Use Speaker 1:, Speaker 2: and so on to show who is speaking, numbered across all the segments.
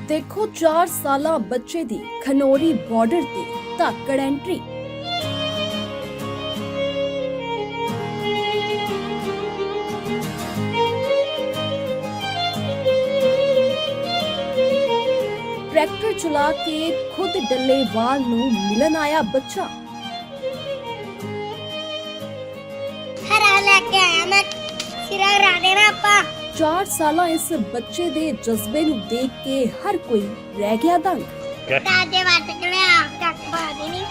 Speaker 1: देखो 4 साला बच्चे दी खनौरी बॉर्डर ते धाकड़ एंट्री। ट्रैक्टर चला के खुद डल्लेवाल नूं मिलन आया बच्चा।
Speaker 2: हरा लेके आया मैं सिरा करा देना आपा।
Speaker 1: 4 साला इस बच्चे दे जज्बे नूं देख के हर कोई रह गया दंग।
Speaker 2: दादे वाट के आग तक पा देनी।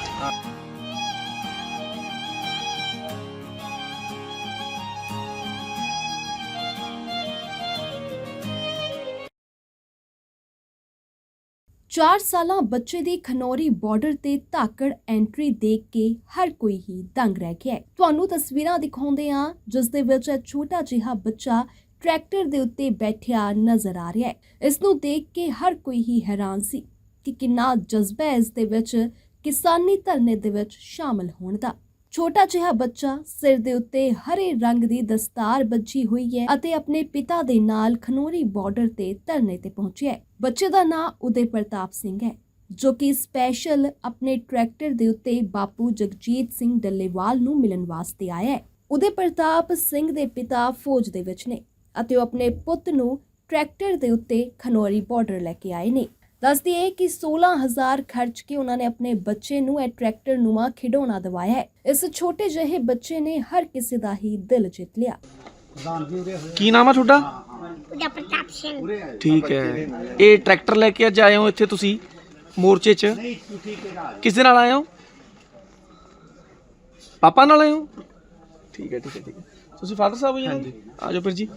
Speaker 1: चार साला बच्चे ਦੀ ਖਨੌਰੀ ਬਾਰਡਰ ਤੇ ਧਾਕੜ ਐਂਟਰੀ ਦੇਖ ਕੇ ਹਰ ਕੋਈ ਹੀ ਦੰਗ ਰਹਿ ਗਿਆ। ਤੁਹਾਨੂੰ ਤਸਵੀਰਾਂ ਦਿਖਾਉਂਦੇ ਆ ਜਿਸ ਦੇ ਵਿੱਚ ਛੋਟਾ ਜਿਹਾ ਬੱਚਾ ਟਰੈਕਟਰ ਦੇ ਉੱਤੇ ਬੈਠਿਆ ਨਜ਼ਰ ਆ ਰਿਹਾ ਹੈ। ਇਸ ਨੂੰ ਦੇਖ ਕੇ ਹਰ ਕੋਈ ਹੀ ਹੈਰਾਨ ਸੀ ਕਿ ਕਿੰਨਾ ਜਜ਼ਬਾ ਹੈ ਇਸ ਦੇ ਵਿੱਚ ਕਿਸਾਨੀ ਧਰਨੇ ਦੇ ਵਿੱਚ ਸ਼ਾਮਲ ਹੋਣ ਦਾ। ਛੋਟਾ ਜਿਹਾ ਬੱਚਾ ਸਿਰ ਦੇ ਉੱਤੇ ਹਰੇ ਰੰਗ ਦੀ ਦਸਤਾਰ ਬੱਝੀ ਹੋਈ ਹੈ ਅਤੇ ਆਪਣੇ ਪਿਤਾ ਦੇ ਨਾਲ ਖਨੌਰੀ ਬਾਰਡਰ ਤੇ ਧਰਨੇ ਤੇ ਪਹੁੰਚਿਆ ਹੈ। ਬੱਚੇ ਦਾ ਨਾਂ ਉਦੇ ਪ੍ਰਤਾਪ ਸਿੰਘ ਹੈ ਜੋ ਕਿ ਸਪੈਸ਼ਲ ਆਪਣੇ ਟਰੈਕਟਰ ਦੇ ਉੱਤੇ ਬਾਪੂ ਜਗਜੀਤ ਸਿੰਘ ਡੱਲੇਵਾਲ ਨੂੰ ਮਿਲਣ ਵਾਸਤੇ ਆਇਆ ਹੈ। ਉਦੇ ਪ੍ਰਤਾਪ ਸਿੰਘ ਦੇ ਪਿਤਾ ਫੌਜ ਦੇ ਵਿੱਚ ਨੇ ਅਤੇ ਉਹ ਆਪਣੇ ਪੁੱਤ ਨੂੰ ਟਰੈਕਟਰ ਦੇ ਉੱਤੇ ਖਨੌਰੀ ਬਾਰਡਰ ਲੈ ਕੇ ਆਏ ਨੇ। ਦੱਸਦੀ ਹੈ ਕਿ 16000 ਖਰਚ ਕੇ ਉਹਨਾਂ ਨੇ ਆਪਣੇ ਬੱਚੇ ਨੂੰ ਇਹ ਟਰੈਕਟਰ ਨੂੰਆ ਖਿਡੌਣਾ ਦਿਵਾਇਆ ਹੈ। ਇਸ ਛੋਟੇ ਜਿਹੇ ਬੱਚੇ ਨੇ ਹਰ ਕਿਸੇ ਦਾ ਹੀ ਦਿਲ ਜਿੱਤ ਲਿਆ।
Speaker 3: ਕੀ ਨਾਮ ਆ ਤੁਹਾਡਾ?
Speaker 2: उदा प्रताप सिंह।
Speaker 3: ਠੀਕ ਹੈ। ਇਹ ਟਰੈਕਟਰ ਲੈ ਕੇ ਅੱਜ ਆਏ ਹੋ ਇੱਥੇ ਤੁਸੀਂ ਮੋਰਚੇ 'ਚ? ਕਿਸ ਦੇ ਨਾਲ ਆਏ ਹੋ? ਪਾਪਾ ਨਾਲ ਆਏ ਹੋ? ਠੀਕ ਹੈ ਠੀਕ ਹੈ ਠੀਕ ਹੈ। ਤੁਸੀਂ ਫਾਦਰ ਸਾਹਿਬ ਹੋ ਜੀ? ਹਾਂਜੀ। ਆ ਜਾਓ ਫਿਰ ਜੀ।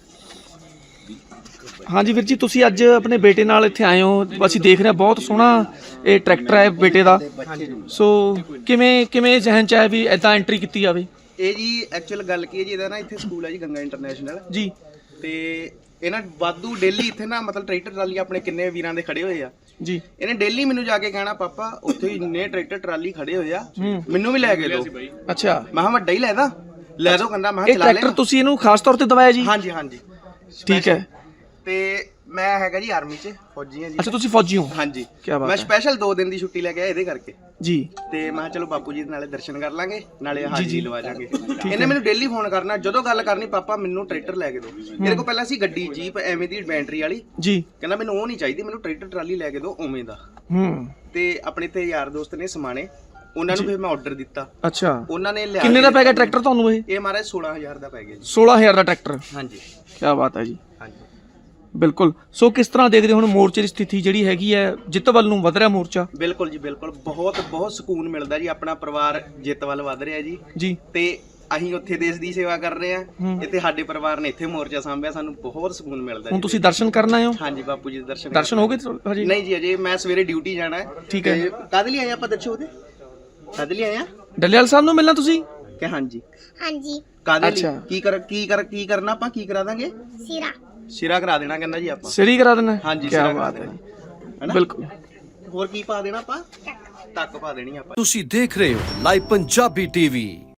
Speaker 3: ਹਾਂਜੀ ਵੀਰ ਜੀ, ਤੁਸੀਂ ਅੱਜ ਆਪਣੇ ਬੇਟੇ ਨਾਲ ਇੱਥੇ ਆਏ ਹੋ। ਅਸੀਂ ਦੇਖ ਰਹੇ ਹਾਂ ਬਹੁਤ ਸੋਹਣਾ ਇਹ ਟਰੈਕਟਰ ਹੈ ਬੇਟੇ ਦਾ। ਸੋ ਕਿਵੇਂ ਜ਼ਹਿਨ 'ਚ ਆਇਆ ਵੀ ਐਦਾਂ ਐਂਟਰੀ ਕੀਤੀ ਜਾਵੇ?
Speaker 4: ਇਹ ਜੀ ਐਕਚੁਅਲ ਗੱਲ ਕੀ ਹੈ ਜੀ, ਇਹਦਾ ਨਾ ਇੱਥੇ ਸਕੂਲ ਹੈ ਜੀ ਗੰਗਾ ਇੰਟਰਨੈਸ਼ਨਲ
Speaker 3: ਜੀ।
Speaker 4: ਤੇ ਇਹਨਾਂ ਵਾਧੂ ਡੇਲੀ ਇੱਥੇ ਨਾ ਮਤਲਬ ਟਰੈਕਟਰ ਟਰਾਲੀ ਆਪਣੇ ਕਿੰਨੇ ਵੀਰਾਂ ਦੇ ਖੜੇ ਹੋਏ ਆ
Speaker 3: ਜੀ।
Speaker 4: ਇਹਨੇ ਡੇਲੀ ਮੈਨੂੰ ਜਾ ਕੇ ਕਹਿਣਾ ਪਾਪਾ ਉੱਥੇ ਇੰਨੇ ਟਰੈਕਟਰ ਟਰਾਲੀ ਖੜੇ ਹੋਏ ਆ, ਮੈਨੂੰ ਵੀ ਲੈ ਕੇ ਦਿਓ।
Speaker 3: ਅੱਛਾ।
Speaker 4: ਮੈਂ ਕਿਹਾ ਵੱਡਾ ਹੀ ਲੈ ਦੋ ਕਹਿੰਦਾ। ਮੈਂ
Speaker 3: ਇਹ
Speaker 4: ਚਲਾ ਲੈ।
Speaker 3: ਟਰੈਕਟਰ ਤੁਸੀਂ ਇਹਨੂੰ ਖਾਸ ਤੌਰ ਤੇ ਦਵਾਇਆ ਜੀ?
Speaker 4: ਹਾਂਜੀ ਹਾਂਜੀ
Speaker 3: ਠੀਕ ਹੈ।
Speaker 4: ਤੇ ਮੈਂ ਹੈਗਾ ਜੀ ਆਰਮੀ 'ਚ ਫੌਜੀ ਹਾਂ ਜੀ।
Speaker 3: ਅੱਛਾ, ਤੁਸੀਂ ਫੌਜੀ ਹੋ?
Speaker 4: ਹਾਂਜੀ।
Speaker 3: ਕੀ ਬਾਤ ਹੈ।
Speaker 4: ਮੈਂ ਸਪੈਸ਼ਲ 2 ਦਿਨ ਦੀ ਛੁੱਟੀ ਲੈ ਕੇ ਆਇਆ ਇਹਦੇ ਕਰਕੇ
Speaker 3: ਜੀ।
Speaker 4: ਤੇ ਮੈਂ ਕਿਹਾ ਚਲੋ ਬਾਪੂ ਜੀ ਦੇ ਨਾਲੇ ਦਰਸ਼ਨ ਕਰ ਲਾਂਗੇ ਨਾਲੇ ਹਾਜ਼ਰੀ ਲਵਾ ਜਾਾਂਗੇ। ਇਹਨੇ ਮੈਨੂੰ ਡੇਲੀ ਫੋਨ ਕਰਨਾ, ਜਦੋਂ ਗੱਲ ਕਰਨੀ ਪਾਪਾ ਮੈਨੂੰ ਟਰੈਕਟਰ ਲੈ ਕੇ ਦਿਓ। ਮੇਰੇ ਕੋਲ ਪਹਿਲਾਂ ਸੀ ਗੱਡੀ ਜੀਪ ਐਵੇਂ ਦੀ ਬੈਟਰੀ ਵਾਲੀ
Speaker 3: ਜੀ।
Speaker 4: ਕਹਿੰਦਾ ਮੈਨੂੰ ਉਹ ਨਹੀਂ ਚਾਹੀਦੀ, ਮੈਨੂੰ ਟਰੈਕਟਰ ਟਰਾਲੀ ਲੈ ਕੇ ਦਿਓ ਉਵੇਂ ਦਾ। ਤੇ ਆਪਣੇ ਤੇ ਯਾਰ ਦੋਸਤ ਨੇ ਸਮਾਣੇ, ਉਹਨਾਂ ਨੂੰ ਫਿਰ ਮੈਂ ਆਰਡਰ ਦਿੱਤਾ।
Speaker 3: ਅੱਛਾ।
Speaker 4: ਉਹਨਾਂ ਨੇ ਲਿਆ।
Speaker 3: ਕਿੰਨੇ ਦਾ ਪੈ ਗਿਆ ਟਰੈਕਟਰ ਤੁਹਾਨੂੰ? ਇਹ
Speaker 4: ਮਾਰੇ 16000 ਦਾ ਪੈ ਗਿਆ ਜੀ।
Speaker 3: 16000 ਦਾ ਟਰੈਕਟਰ?
Speaker 4: ਹਾਂਜੀ।
Speaker 3: ਕੀ ਬਾਤ ਹੈ ਜੀ।
Speaker 4: ਹਾਂਜੀ
Speaker 3: ਬਿਲਕੁਲ। ਸੋ ਕਿਸ ਤਰ੍ਹਾਂ ਦੇਖਦੇ ਹੋ ਹੁਣ ਮੋਰਚੇ ਦੀ ਸਥਿਤੀ ਜਿਹੜੀ ਹੈਗੀ ਹੈ, ਜਿੱਤ ਵੱਲ ਨੂੰ ਵਧ ਰਿਹਾ ਮੋਰਚਾ?
Speaker 4: ਬਿਲਕੁਲ ਜੀ ਬਿਲਕੁਲ। ਬਹੁਤ ਸਕੂਨ ਮਿਲਦਾ ਜੀ। ਆਪਣਾ ਪਰਿਵਾਰ ਜਿੱਤ ਵੱਲ ਵਧ ਰਿਹਾ ਜੀ।
Speaker 3: ਜੀ। ਤੇ
Speaker 4: ਅਸੀਂ ਉੱਥੇ ਦੇਸ਼ ਦੀ ਸੇਵਾ ਕਰ ਰਹੇ ਆ, ਇੱਥੇ ਸਾਡੇ ਪਰਿਵਾਰ ਨੇ ਇੱਥੇ ਮੋਰਚਾ ਸਾਂਭਿਆ, ਸਾਨੂੰ ਬਹੁਤ ਸਕੂਨ ਮਿਲਦਾ ਜੀ।
Speaker 3: ਹੁਣ ਤੁਸੀਂ ਦਰਸ਼ਨ ਕਰਨ ਆਏ ਹੋ?
Speaker 4: ਹਾਂਜੀ ਬਾਪੂ ਜੀ ਦੇ
Speaker 3: ਦਰਸ਼ਨ ਹੋ ਗਏ ਹਜੇ?
Speaker 4: ਨਹੀਂ ਜੀ ਅਜੇ ਮੈਂ ਸਵੇਰੇ ਡਿਊਟੀ ਜਾਣਾ ਹੈ।
Speaker 3: ਠੀਕ ਹੈ।
Speaker 4: ਕਾਹਦੇ ਲਈ ਆਏ ਆਪਾਂ ਦੱਸੋ? ਉਹਦੇ ਕਾਹਦੇ ਲਈ ਆਏ ਆ?
Speaker 3: ਡੱਲੇਵਾਲ ਸਾਹਿਬ ਨੂੰ ਮਿਲਣਾ ਤੁਸੀਂ?
Speaker 4: ਕਿ ਹਾਂਜੀ
Speaker 2: ਹਾਂਜੀ।
Speaker 4: ਕਾਹਦੇ ਲਈ? ਕੀ ਕਰਨਾ ਆਪਾਂ? ਕੀ ਕਰਾ ਦਾਂਗੇ? ਸਿਰਾ ਕਰਾ ਦੇਣਾ ਕਹਿੰਦਾ ਜੀ ਆਪਾਂ।
Speaker 3: ਸਿਰੀ ਕਰਾ ਦੇਣਾ?
Speaker 4: ਹਾਂਜੀ।
Speaker 3: ਕੀ ਬਾਤ ਹੈ ਜੀ। ਬਿਲਕੁਲ।
Speaker 4: ਹੋਰ ਕੀ ਪਾ ਦੇਣਾ ਆਪਾਂ? ਟੱਕ ਪਾ ਦੇਣੀ ਆਪਾਂ।
Speaker 5: ਤੁਸੀਂ ਦੇਖ ਰਹੇ ਹੋ ਲਾਈਵ ਪੰਜਾਬੀ ਟੀਵੀ।